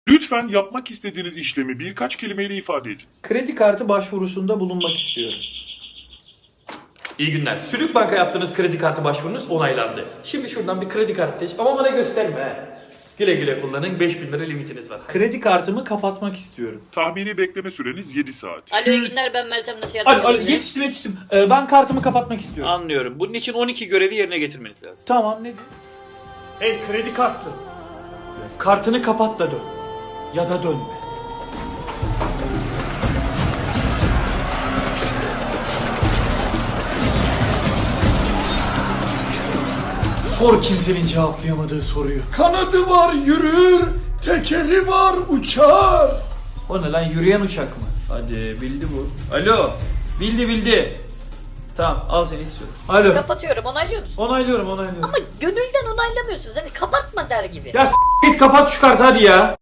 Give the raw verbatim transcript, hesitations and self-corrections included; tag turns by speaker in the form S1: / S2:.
S1: Lütfen yapmak istediğiniz işlemi birkaç kelimeyle ifade edin.
S2: Kredi kartı başvurusunda bulunmak istiyorum.
S3: İyi günler. Sülük Bank'a yaptığınız kredi kartı başvurunuz onaylandı. Şimdi şuradan bir kredi kartı seç ama bana gösterme he. Güle güle kullanın. beş bin lira limitiniz var.
S2: Kredi kartımı kapatmak istiyorum.
S1: Tahmini bekleme süreniz yedi saat.
S4: Alo iyi günler, ben Meltem, nasıl yardımcı
S2: Alo, alo,
S4: olabilirim?
S2: yetiştim yetiştim. Ee, ben kartımı kapatmak istiyorum.
S5: Anlıyorum. Bunun için on iki görevi yerine getirmeniz lazım.
S2: Tamam, nedir?
S3: Hey kredi kartlı. Kartını kapat da dön. Ya da dönme. Sor kimsenin cevaplayamadığı soruyu. Kanadı var yürür, tekeri var uçar. O ne lan, yürüyen uçak mı? Hadi bildi bu. Alo, bildi bildi. Tamam, al seni istiyorum. Alo.
S4: Kapatıyorum, onaylıyor musun?
S3: Onaylıyorum onaylıyorum.
S4: Ama gönülden onaylamıyorsunuz, hani kapatma der gibi.
S3: Ya s- git kapat şu kartı hadi ya.